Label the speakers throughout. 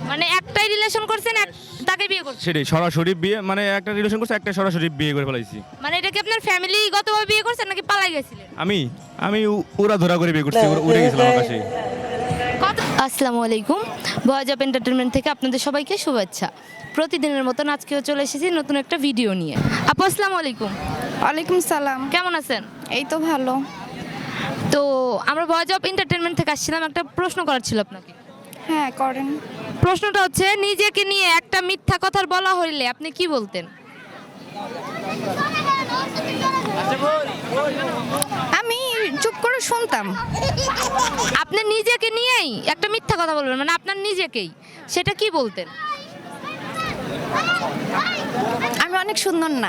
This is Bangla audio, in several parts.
Speaker 1: মানে একটাই রিলেশন করছেন, তাকে বিয়ে করছেন?
Speaker 2: সেটাই সরাসরি বিয়ে, মানে একটা রিলেশন করছে, একটা সরাসরি বিয়ে করে ফেলাইছি।
Speaker 1: মানে এটা কি আপনার ফ্যামিলিগতভাবে বিয়ে করছেন নাকি পালাই গেছিলেন?
Speaker 2: আমি আমি উড়া ধরা করে বিয়ে করছি, উড়ে গেছিলাম আকাশে।
Speaker 1: আসসালামু আলাইকুম, ভয়েস অফ এন্টারটেনমেন্ট থেকে আপনাদের সবাইকে শুভেচ্ছা। প্রতিদিনের মতন আজকেও চলে এসেছি নতুন একটা ভিডিও নিয়ে। আপু আসসালামু আলাইকুম।
Speaker 3: ওয়ালাইকুম সালাম।
Speaker 1: কেমন আছেন?
Speaker 3: এই তো ভালো।
Speaker 1: তো আমরা ভয়েস অফ এন্টারটেনমেন্ট থেকে আসছিলাম, একটা প্রশ্ন করার ছিল আপনাকে।
Speaker 3: হ্যাঁ করেন।
Speaker 1: প্রশ্নটা হচ্ছে, নিজেকে নিয়ে একটা মিথ্যা কথা বলা হইলে আপনি কি বলতেন?
Speaker 3: আমি চুপ করে শুনতাম।
Speaker 1: আপনি নিজেকে নিয়েই একটা মিথ্যা কথা বলবেন, মানে আপনার নিজেকেই, সেটা কি বলতেন?
Speaker 3: আমি অনেক সুন্দর না।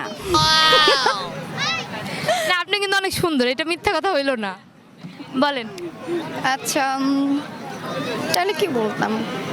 Speaker 1: না, আপনি কিন্তু অনেক সুন্দর, এটা মিথ্যা কথা হইল না, বলেন।
Speaker 3: আচ্ছা তাহলে কি বলতাম?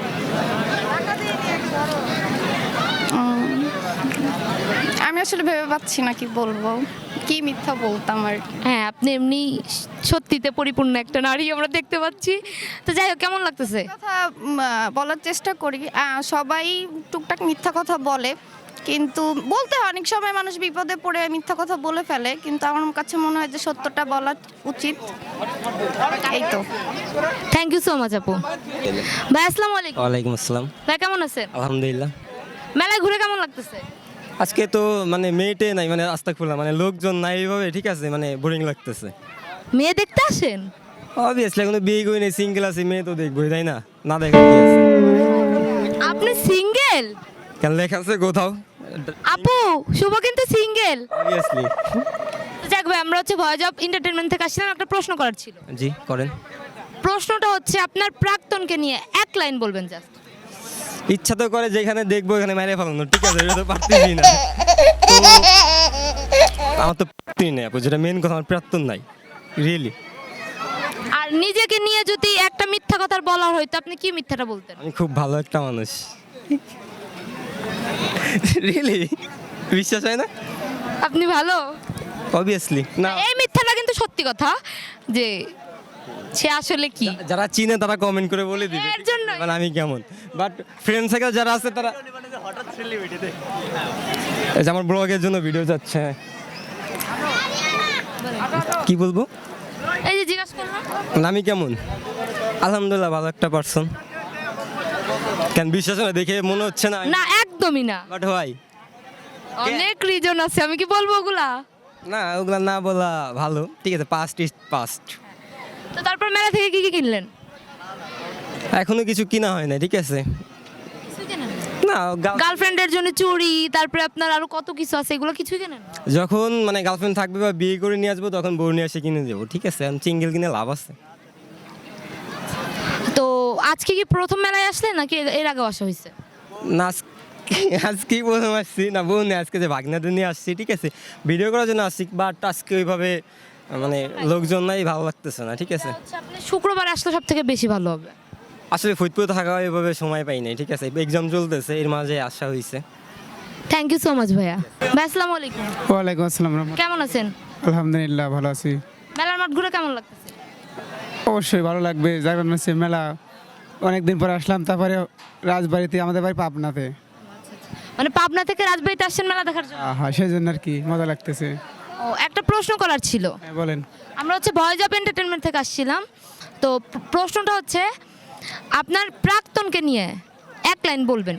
Speaker 3: আমি আসলে ভেবে পাচ্ছি না কি বলবো, কি মিথ্যা বলতাম আর কি।
Speaker 1: হ্যাঁ, আপনি এমনি সত্যিতে পরিপূর্ণ একটা নারী আমরা দেখতে পাচ্ছি। তো যাই হোক, কেমন লাগতেছে?
Speaker 3: কথা বলার চেষ্টা করি। সবাই টুকটাক মিথ্যা কথা বলে, কিন্তু বলতে হয়, অনেক সময় মানুষ বিপদে পড়ে মিথ্যা কথা বলে ফেলে, কিন্তু আমার কাছে মনে হয় যে সত্যটা বলা উচিত। এই তো।
Speaker 1: থ্যাংক ইউ সো মাচ আপু। ভাই আসসালামু আলাইকুম।
Speaker 4: ওয়ালাইকুম আসসালাম।
Speaker 1: ভাই কেমন আছেন?
Speaker 4: আলহামদুলিল্লাহ।
Speaker 1: মেলায় ঘুরে কেমন লাগতেছে?
Speaker 4: আজকে তো মানে মেয়েটে নাই, মানে আস্তাগফিরুল্লাহ, মানে লোকজন নাই এইভাবে, ঠিক আছে, মানে বোরিং লাগতেছে।
Speaker 1: মেয়ে দেখতে আসেন?
Speaker 4: অবভিয়াসলি এখন তো বিয়ে করি নাই, সিঙ্গেল আছে, মেয়ে তো দেখবোই, তাই না? না দেখা কি আছে?
Speaker 1: আপনি সিঙ্গেল?
Speaker 4: কেন লেখা আছে কোথাও?
Speaker 1: আপু শুভ কিন্তু সিঙ্গেল।
Speaker 4: অবভিয়াসলি।
Speaker 1: যাক ভাই, আমরা হচ্ছে ভয়েস অফ এন্টারটেনমেন্ট থেকে আসছিলাম, একটা প্রশ্ন করার ছিল।
Speaker 4: জি করেন।
Speaker 1: প্রশ্নটা হচ্ছে, আপনার প্রাক্তনকে নিয়ে এক লাইন বলবেন জাস্ট।
Speaker 4: ইচ্ছা তো করে যেখানে দেখবো এখানে মেরে ফেলানো, ঠিক আছে, এটা তো পারতেছি না। তো আমার তো প্রাপ্তি নেই আপু, যেটা মেন কথা, আমার প্রাক্তন নাই রিয়েলি।
Speaker 1: আর নিজেকে নিয়ে যদি একটা মিথ্যা কথা বলা হয়তো আপনি কি মিথ্যাটা বলতেন?
Speaker 4: আমি খুব ভালো একটা মানুষ। রিয়েলি বিশ্বাস হয় না?
Speaker 1: আপনি ভালো?
Speaker 4: অবভিয়াসলি না।
Speaker 1: এই মিথ্যাটা কিন্তু সত্যি কথা, যে সে আসলে কি।
Speaker 4: যারা চিনে তারা কমেন্ট করে বলে দিবে
Speaker 1: এর জন্যই।
Speaker 4: মানে আমি কেমন, বাট ফ্রেন্ড সার্কেল যারা আছে তারা এই যে আমার ব্লগের জন্য ভিডিও যাচ্ছে। কি বলবো,
Speaker 1: এই যে জিজ্ঞাসা করলাম।
Speaker 4: মানে আমি কেমন? আলহামদুলিল্লাহ ভালো একটা পার্সন। কেন বিশ্বাস না দেখে মনে হচ্ছে না?
Speaker 1: না একদমই না,
Speaker 4: বাট হয়
Speaker 1: অনেক রিজন আছে, আমি কি বলবো ওগুলা?
Speaker 4: না, ওগুলা না বলা ভালো, ঠিক আছে, পাস্ট ইজ পাস্ট।
Speaker 1: তো তারপর মেলা থেকে কি কি কিনলেন?
Speaker 4: এখনো কিছু কিনা হয় না, ঠিক আছে। না
Speaker 1: গার্লফ্রেন্ডের জন্য চুড়ি, তারপরে আপনার আরো কত কিছু আছে, এগুলো কিছুই কেনেন?
Speaker 4: যখন মানে গার্লফ্রেন্ড থাকবে বা বিয়ে করে নিয়ে আসবো তখন বউ নিয়ে এসে কিনে দেবো, ঠিক আছে। আমি সিঙ্গেল কিনে লাভ আছে?
Speaker 1: তো আজকে কি প্রথম মেলায় আসলেন নাকি এর আগে আসা হয়েছে?
Speaker 4: না আজকেই প্রথম আসছি, না বউ নিয়ে আজকে যে ভাগনাদের নিয়ে আসছি, ঠিক আছে, ভিডিও করার জন্য আসছি, বাট আজকে ওইভাবে মানে লোকজন নাই, ভালো লাগতেছে না, ঠিক আছে।
Speaker 1: আচ্ছা, আপনি শুক্রবার আসলে সব থেকে বেশি ভালো হবে।
Speaker 4: আসলে ফরিদপুরে থাকা ওইভাবে সময় পাই নাই, ঠিক আছে, এক্সাম চলতেছে, এর মাঝে আসা হয়েছে।
Speaker 1: থ্যাংক ইউ সো মাচ ভাইয়া। ভাই আসসালামু আলাইকুম।
Speaker 5: ওয়ালাইকুম আসসালাম রহমতুল্লাহ।
Speaker 1: কেমন আছেন?
Speaker 5: আলহামদুলিল্লাহ ভালো আছি।
Speaker 1: মেলার মাঠ ঘুরে কেমন লাগতেছে?
Speaker 5: অবশ্যই ভালো লাগবে, জায়গাটা হচ্ছে মেলা, অনেকদিন পরে আসলাম। তারপরে রাজবাড়িতে, আমাদের বাড়ি পাবনাতে।
Speaker 1: মানে পাবনা থেকে রাজবাড়িতে আসছেন মেলা দেখার জন্য?
Speaker 5: হ্যাঁ সেই জন্য আর কি মজা লাগতেছে।
Speaker 1: ও, একটা প্রশ্ন করার ছিল।
Speaker 5: হ্যাঁ বলেন।
Speaker 1: আমরা হচ্ছে ভয়েস অফ এন্টারটেনমেন্ট থেকে আসছিলাম, তো প্রশ্নটা হচ্ছে, আপনার প্রাক্তনকে নিয়ে এক লাইন বলবেন।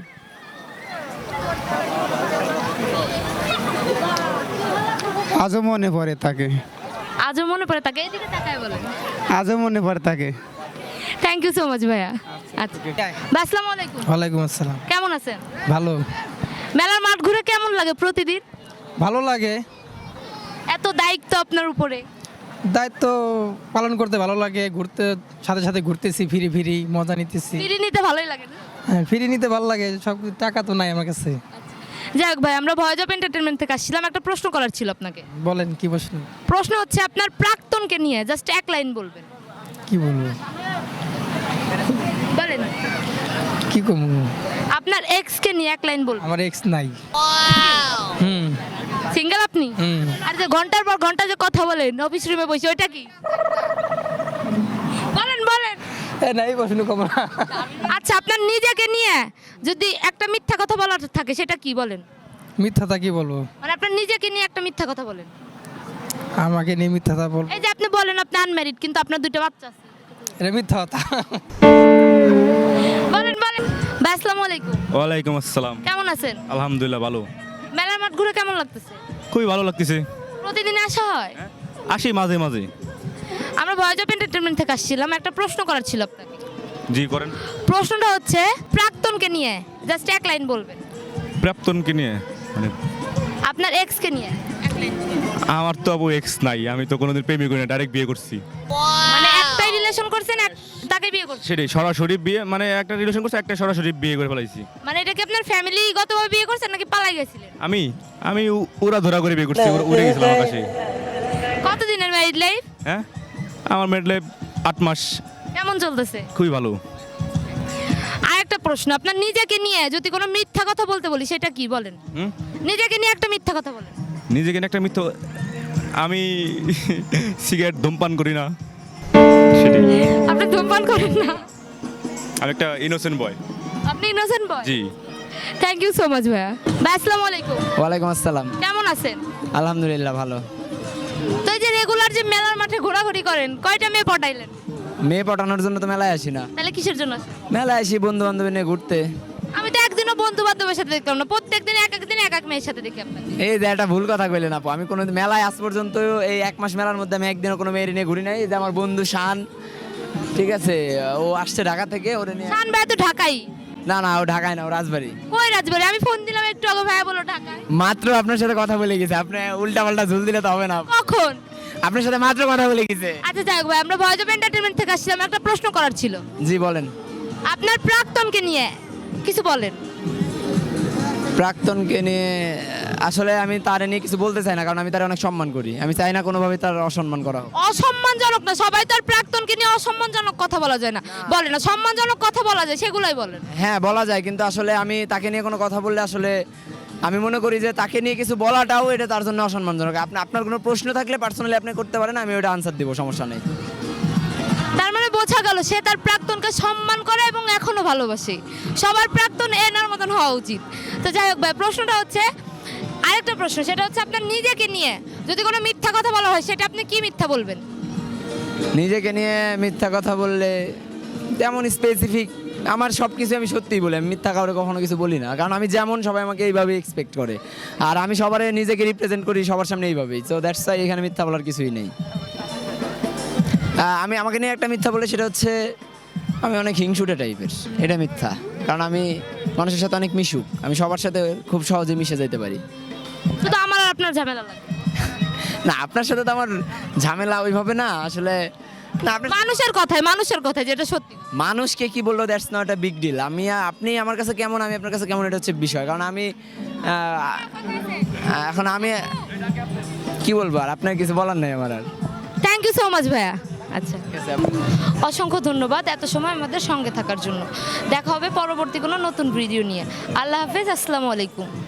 Speaker 5: আজও মনে পড়ে তাকে,
Speaker 1: আজও মনে পড়ে তাকে, এদিকে তাকায় বলেন।
Speaker 5: আজও মনে পড়ে তাকে।
Speaker 1: থ্যাংক ইউ সো মাচ ভাইয়া। আচ্ছা ভাই আসসালামু আলাইকুম।
Speaker 5: ওয়ালাইকুম আসসালাম।
Speaker 1: কেমন আছেন?
Speaker 5: ভালো।
Speaker 1: মেলার মাঠ ঘুরে কেমন লাগে প্রতিদিন?
Speaker 5: ভালো লাগে।
Speaker 1: এত দায়িত্ব আপনার উপরে।
Speaker 5: দায়িত্ব পালন করতে ভালো লাগে, ঘুরতে সাথে সাথে ঘুরতেছি, ফিরি ফিরি মজা নিতেছি।
Speaker 1: ফিরে নিতে ভালোই লাগে না?
Speaker 5: হ্যাঁ ফিরি নিতে ভালো লাগে, সব টাকা তো নাই আমার কাছে।
Speaker 1: যাই হোক ভাই, আমরা ভয়েস অফ এন্টারটেনমেন্ট থেকে আসছিলাম, একটা প্রশ্ন করার ছিল আপনাকে।
Speaker 5: বলেন কি প্রশ্ন?
Speaker 1: প্রশ্ন হচ্ছে, আপনার প্রাক্তনকে নিয়ে জাস্ট এক লাইন বলবেন।
Speaker 5: কি বলবো,
Speaker 1: বলেন।
Speaker 5: কি কমু?
Speaker 1: আপনার এক্সকে নিয়ে এক লাইন বলবেন।
Speaker 5: আমার এক্স নাই।
Speaker 1: সিঙ্গেল আপনি?
Speaker 5: হুম।
Speaker 1: আর যে ঘন্টার পর ঘন্টা যে কথা বলেন অফিস রুমে বসে, ওইটা কি? বলেন বলেন।
Speaker 4: নাই প্রশ্ন কম না।
Speaker 1: আচ্ছা, আপনার নিজেকে নিয়ে যদি একটা মিথ্যা কথা বলার থাকে সেটা কি বলেন?
Speaker 5: মিথ্যাটা কি বলবো?
Speaker 1: মানে আপনার নিজেকে নিয়ে একটা মিথ্যা কথা বলেন।
Speaker 5: আমাকে নিয়ে মিথ্যাটা বল,
Speaker 1: এই যে আপনি বলেন আপনি আনম্যারিড কিন্তু আপনার 2টা বাচ্চা আছে।
Speaker 5: এটা মিথ্যা কথা।
Speaker 1: বলেন বলেন। ভাই আসসালামু আলাইকুম।
Speaker 2: ওয়ালাইকুম আসসালাম।
Speaker 1: কেমন আছেন?
Speaker 2: আলহামদুলিল্লাহ ভালো।
Speaker 1: মেলার মাঠ ঘুরে কেমন লাগতেছে?
Speaker 2: খুবই ভালো লাগতেছে।
Speaker 1: প্রতিদিন আসা হয়?
Speaker 2: আসি মাঝে মাঝে।
Speaker 1: আমরা ভয়েস অফ এন্টারটেইনমেন্ট থেকে আসছিলাম, একটা প্রশ্ন করার ছিল আপনাকে।
Speaker 2: জি করেন।
Speaker 1: প্রশ্নটা হচ্ছে প্রাক্তনকে নিয়ে জাস্ট এক লাইন বলবেন।
Speaker 2: প্রাপ্তনকে নিয়ে মানে
Speaker 1: আপনার এক্সকে নিয়ে এক লাইন।
Speaker 2: আমার তো আবু এক্স নাই, আমি তো কোনোদিন প্রেমই করি না, ডাইরেক্ট বিয়ে করছি।
Speaker 1: মানে একটাই রিলেশন করছেন, তাকে বিয়ে করছেন?
Speaker 2: সেটাই সরাসরি বিয়ে, মানে একটা রিলেশন করছে, একটা সরাসরি বিয়ে করে ফেলাইছি।
Speaker 1: মানে এটা কি আপনার ফ্যামিলিগতভাবে বিয়ে করছেন নাকি পালাই গেছিলেন?
Speaker 2: আমি ওরা ধরা করে বিয়ে করছি, উড়ে গেছিলাম আকাশে।
Speaker 1: কতদিনের ম্যারিড লাইফ?
Speaker 2: হ্যাঁ, আমার ম্যারিড লাইফ 8 মাস।
Speaker 1: কেমন চলতেছে?
Speaker 2: খুবই ভালো।
Speaker 1: আর একটা প্রশ্ন, আপনার নিজেকে নিয়ে যদি কোনো মিথ্যা কথা বলতে বলি সেটা কি বলেন?
Speaker 2: হুম?
Speaker 1: নিজেকে নিয়ে একটা মিথ্যা কথা বলেন।
Speaker 2: নিজেকে নিয়ে একটা মিথ্য, আমি সিগারেট ধূমপান করি না, সেটাই।
Speaker 1: আপনি ধূমপান করেন না?
Speaker 2: আমি একটা ইনোসেন্ট বয়।
Speaker 1: আপনি ইনোসেন্ট বয়?
Speaker 2: জি।
Speaker 1: থ্যাংক ইউ সো মাচ ভাইয়া। ভাই আসসালামু আলাইকুম।
Speaker 5: ওয়ালাইকুম আসসালাম।
Speaker 1: কেমন আছেন?
Speaker 5: আলহামদুলিল্লাহ ভালো।
Speaker 1: তো এই যে রেগুলার যে মেলার মাঠে ঘোরাঘুরি করেন, কয়টা মেয়ে পটাইলেন?
Speaker 5: মেয়ে পটানোর জন্য তো মেলায় আসি না,
Speaker 1: তাহলে কিসের জন্য আসেন?
Speaker 5: মেলায় আসি বন্ধু বান্ধব নিয়ে ঘুরতে।
Speaker 1: আমি তো একদিনও বন্ধু বান্ধবের সাথে দেখলাম না, প্রত্যেকদিন এক একদিন এক এক মেয়ের সাথে দেখি আপনাকে।
Speaker 5: এই যে একটা ভুল কথা কইলেন আপু, আমি কোনো মেলায় আজ পর্যন্ত এই 1 মাস মেলার মধ্যে আমি একদিনও কোনো মেয়ের নিয়ে ঘুরি নাই। এই যে আমার বন্ধু শান, ঠিক আছে, ও আসছে ঢাকা থেকে, ওরে নিয়ে।
Speaker 1: শান ভাই তো ঢাকাই?
Speaker 5: না না, ও ঢাকায় না, ও রাজবাড়ি।
Speaker 1: কই রাজবাড়ি? আমি ফোন দিলাম একটু আগে, ভাইয়া বলো ঢাকায়।
Speaker 5: মাত্র আপনার সাথে কথা বলে গেছে, আপনি উল্টা পাল্টা ঝুল দিলে তো হবে না।
Speaker 1: কখন?
Speaker 5: আপনার সাথে মাত্র কথা বলে গেছে।
Speaker 1: আচ্ছা যাই হোক ভাই, আমরা ভয়েস অফ এন্টারটেইনমেন্ট থেকে আসছিলাম, একটা প্রশ্ন করার ছিল।
Speaker 5: জি বলেন।
Speaker 1: আপনার প্রাক্তনকে নিয়ে কিছু বলেন।
Speaker 5: প্রাক্তনকে নিয়ে আসলে আমি তার নিয়ে কিছু বলতে চাই না, কারণ আমি তার অনেক সম্মান করি। আমি চাই না কোনোভাবে তার অসম্মান করা হোক।
Speaker 1: অসম্মানজনক না, সবাই তো আর প্রাক্তনকে নিয়ে অসম্মানজনক কথা বলা যায় না। বলে না, সম্মানজনক কথা বলা যায়, সেগুলাই বলেন।
Speaker 5: হ্যাঁ বলা যায়, কিন্তু আসলে আমি তাকে নিয়ে কোনো কথা বললে আসলে আমি মনে করি যে তাকে নিয়ে কিছু বলাটাও এটা তার জন্য অসম্মানজনক। আপনার কোনো প্রশ্ন থাকলে পার্সোনালি আপনি করতে পারেন, আমি ওটা আনসার দিব, সমস্যা নেই।
Speaker 1: তার মানে বোঝা গেল সে তার প্রাক্তনকে সম্মান করে এবং এখনো ভালোবাসে। সবার প্রাক্তন এনার মতন হওয়া উচিত। তো যাই হোক ভাই, প্রশ্নটা হচ্ছে আরেকটা প্রশ্ন, সেটা হচ্ছে আপনার নিজেকে নিয়ে যদি কোনো মিথ্যা কথা বলা হয় সেটা আপনি কি মিথ্যা বলবেন?
Speaker 5: নিজেকে নিয়ে মিথ্যা কথা বললে তেমন স্পেসিফিক, আমার সব কিছু আমি সত্যিই বলি, আমি মিথ্যা কাউকে কখনো কিছু বলি না, কারণ আমি যেমন সবাই আমাকে এইভাবে এক্সপেক্ট করে, আর আমি সবার নিজেকে রিপ্রেজেন্ট করি সবার সামনে এইভাবেই। সো দ্যাটস ওয়াই এখানে মিথ্যা বলার কিছুই নেই। আমি আমাকে নিয়ে একটা মিথ্যা বলে, সেটা হচ্ছে আমি অনেক হিংসুটে টাইপের, এটা মিথ্যা। কারণ আমি মানুষের সাথে অনেক মিশুক, আমি সবার সাথে খুব সহজে মিশে যেতে পারি।
Speaker 1: শুধু আমার আর আপনার ঝামেলা লাগে
Speaker 5: না, আপনার সাথে তো আমার ঝামেলা ওইভাবে না আসলে। না,
Speaker 1: মানুষের কথায় যেটা সত্যি।
Speaker 5: মানুষকে কি বললো that's not a big deal. আপনি আমার কাছে কেমন, আমি আপনার কাছে কেমন, এটা হচ্ছে বিষয়। কারণ আমি এখন আমি কি বলবো, আর আপনার কিছু বলার নেই আমার আর।
Speaker 1: থ্যাংক ইউ সো মাচ ভাইয়া। আচ্ছা,
Speaker 5: ঠিক আছে।
Speaker 1: অসংখ্য ধন্যবাদ এত সময় আমাদের সঙ্গে থাকার জন্য। দেখা হবে পরবর্তী কোনো নতুন ভিডিও নিয়ে। আল্লাহ হাফেজ, আসসালামু আলাইকুম।